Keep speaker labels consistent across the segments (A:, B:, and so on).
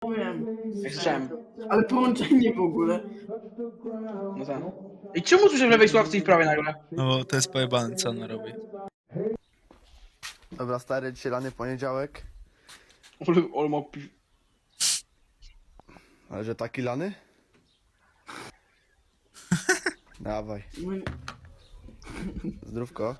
A: Wiem.
B: Jak słyszałem.
A: Ale połączenie w ogóle.
B: No tak. I czemu słyszę w lewej słuchawce i w prawej nagle?
C: No bo to jest pojebane, co on robi.
D: Dobra, stary, dzisiaj lany poniedziałek.
B: Ol ma
D: Ale że taki lany? Dawaj. Zdrówko.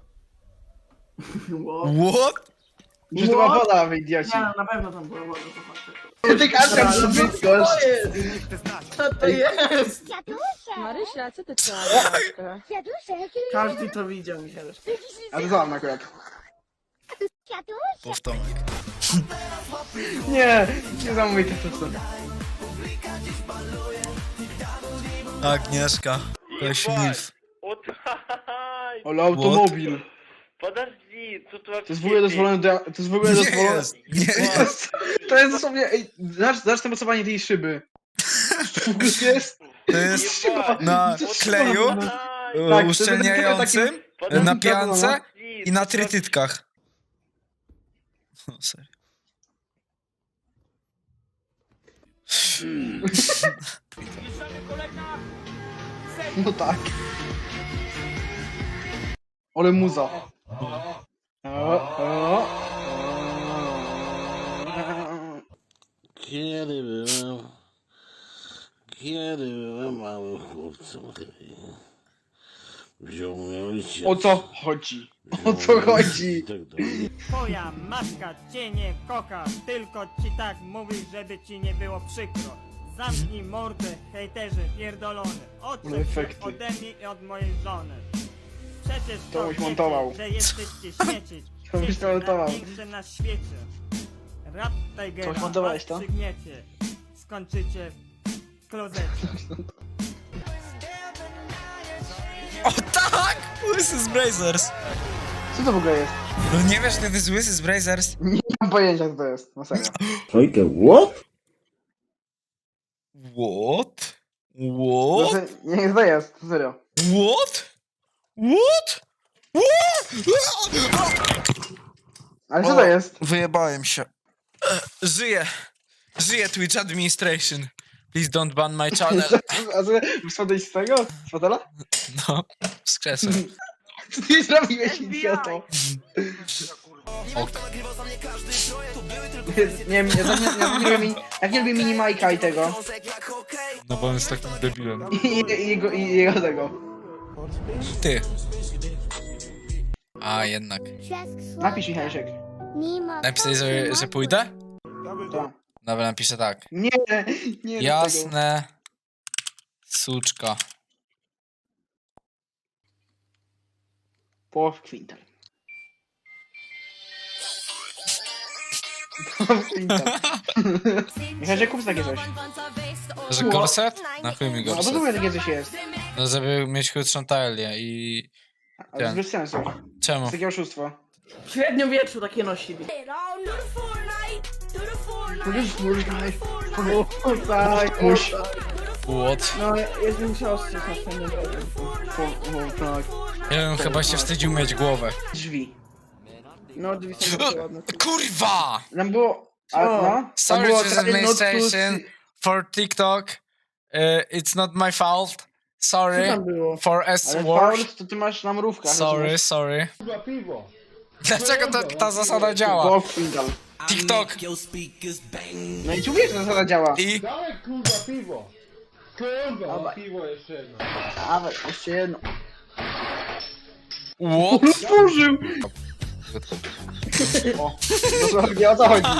A: Wow.
C: What?
B: Że to była woda, wy idioci.
A: Nie, na pewno tam była woda, to fakt.
B: Ty kaczka
A: Co
B: brzydko.
A: to jest? Co to jest?
E: Marysia, co ty trzeba?
A: Każdy to widział, Michał.
B: A to za mną akurat.
C: Powtomek.
B: Nie, niesamowite to są.
C: Agnieszka. Ktoś milf.
B: Ale automobil.
F: Podожди, тут вообще...
B: To jest w ogóle dozwolone to jest w ogóle
C: Nie
B: dozwolone.
C: jest, nie jest.
B: To jest dosłownie, ej, zacznę mocowanie tej szyby. To jest...
C: To jest na kleju
B: Tak,
C: uszczelniającym,
B: takim-
C: na piance i na trytytkach. No serio.
B: No tak. Ale muza.
G: Kiedy byłem małym chłopcem, wziął mnie ojciec.
B: O co chodzi? O co chodzi?
G: Tak dalej.
H: Twoja matka cię nie kocha, tylko ci tak mówi, żeby ci nie było przykro. Zamknij mordę, hejterze pierdolony. Odczep się
B: Efekty.
H: ode mnie i od mojej żony. Przecież
B: To
H: to
B: byś
H: wiecie,
B: montował.
H: że jesteście śmieci.
B: To byś to montował.
H: Największe na świecie. Rap Tigera
B: Coś montowałeś
H: was
B: to?
H: przygniecie. Skończycie w klozecie.
C: O tak! Łysy z Brazers.
B: Co to w ogóle jest?
C: No nie wiesz, że to jest Łysy z Brazers?
B: Nie mam pojęcia co to jest, na serio.
G: Ojkę, what?
C: What? What?
B: Znaczy, nie, to jest, to serio.
C: What? What? What?
B: Ale co to jest?
C: Wyjebałem się. Żyję. Żyję Twitch Administration. Please don't ban my channel.
B: A co, spadłeś z tego? Z fotela?
C: No, wskrzesem.
B: Co ty zrobiłeś, idioto?
C: Ok.
B: Nie wiem, jak nie lubię mini Majka i tego.
C: No bo on jest takim debilem.
B: I jego tego.
C: Ty. A, jednak.
B: Napisz mi, Hajszek.
C: Napisałeś, że pójdę?
B: Tak.
C: Dobra, napiszę tak.
B: Nie, nie rób tego.
C: Jasne. Suczka.
B: Po kwintal. Po kwintal. Michał, kup takie coś.
C: Że gorset? Na chuj mi
B: No bo
C: gorset.
B: to takie coś jest.
C: No żeby mieć krótszą talię i...
B: Ale to jest bez sensu. To
C: Czemu?
B: jest takie oszustwo.
A: W średniowieczu takie nosili. O tak,
B: Muś.
C: What?
A: No, jest mi siostrze na swoim
B: O tak.
C: Ja bym chyba się wstydził mieć głowę.
B: Drzwi.
A: No, drzwi są bardzo ładne.
C: Kurwa!
B: Nam było... A,
A: Co?
B: no? Tam
C: Sorry
B: było
C: to the
B: try not to
C: administration
B: see-
C: for TikTok. It's not my fault.
A: Co
C: Sorry
A: tam było?
C: for S
B: Ale
C: word.
B: Paul, to ty masz na mrówkach.
C: Sorry, sorry. Dlaczego ta zasada działa?
B: Po kwintal.
C: TikTok
B: No i ci mówię, że ta zasada działa.
C: i...
B: Dawaj, jeszcze jedno.
C: What?
B: Otworzył! O, dosłownie o co chodzi.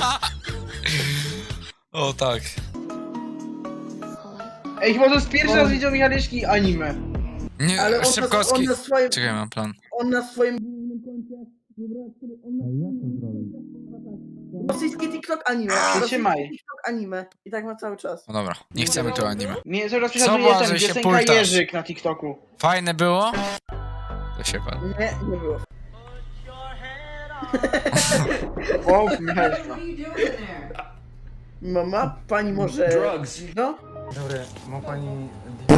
C: O tak.
B: Ej, chyba to jest pierwszy raz widział Michaleczki anime.
C: Nie,
A: Ale on
C: Szybkowski.
A: na swoim...
C: Czekaj, mam plan.
A: On na swoim głównym koncie... Rosyjski TikTok anime.
B: Trzymaj.
A: Rosyjski TikTok anime. I tak ma cały czas.
C: No dobra, nie chcemy tu anime.
B: Mnie cały czas
C: Co
B: prześladuje
C: może
B: ten
C: się
B: piosenka
C: pultasz?
B: Jerzyk na TikToku.
C: Fajne było? To się pan.
A: Nie, nie było.
B: O, Michaleczka.
A: Mama, pani może... No?
C: Dobra, ma pani...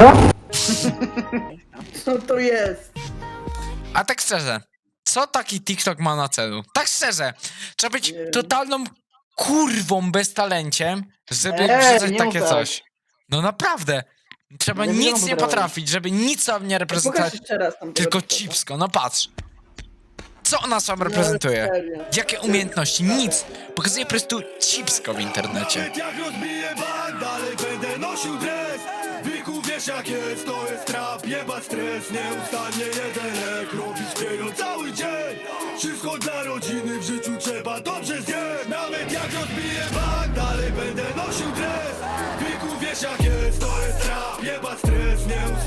A: Co to jest?
C: A tak szczerze, co taki TikTok ma na celu? Tak szczerze, trzeba być
A: Nie wiem.
C: totalną kurwą bez talenciem, żeby
B: Ej,
C: wrzucać
B: nie
C: takie
B: mów tak.
C: coś. No naprawdę. Trzeba
B: Ja nie
C: nic
B: mam
C: nie
B: potrafi.
C: potrafić, żeby nic tam nie reprezentować,
A: Pokaż jeszcze raz tam
C: tylko
A: tego TikToka.
C: cipsko. No patrz. Co ona sam
A: No,
C: reprezentuje?
A: serio.
C: Jakie umiejętności? Nic. Pokazuje po prostu cipsko w internecie.
I: Jak rozbiję bank, dalej będę nosił dres. Byku, wiesz jak jest, to jest trap, jebać stres. Nieustannie jeden lek, robić pieniądz cały dzień. Wszystko dla rodziny, w życiu trzeba dobrze zjeść. Nawet jak rozbiję bank, dalej będę nosił dres. Byku, wiesz jak jest, to jest trap, jebać stres. Nieustannie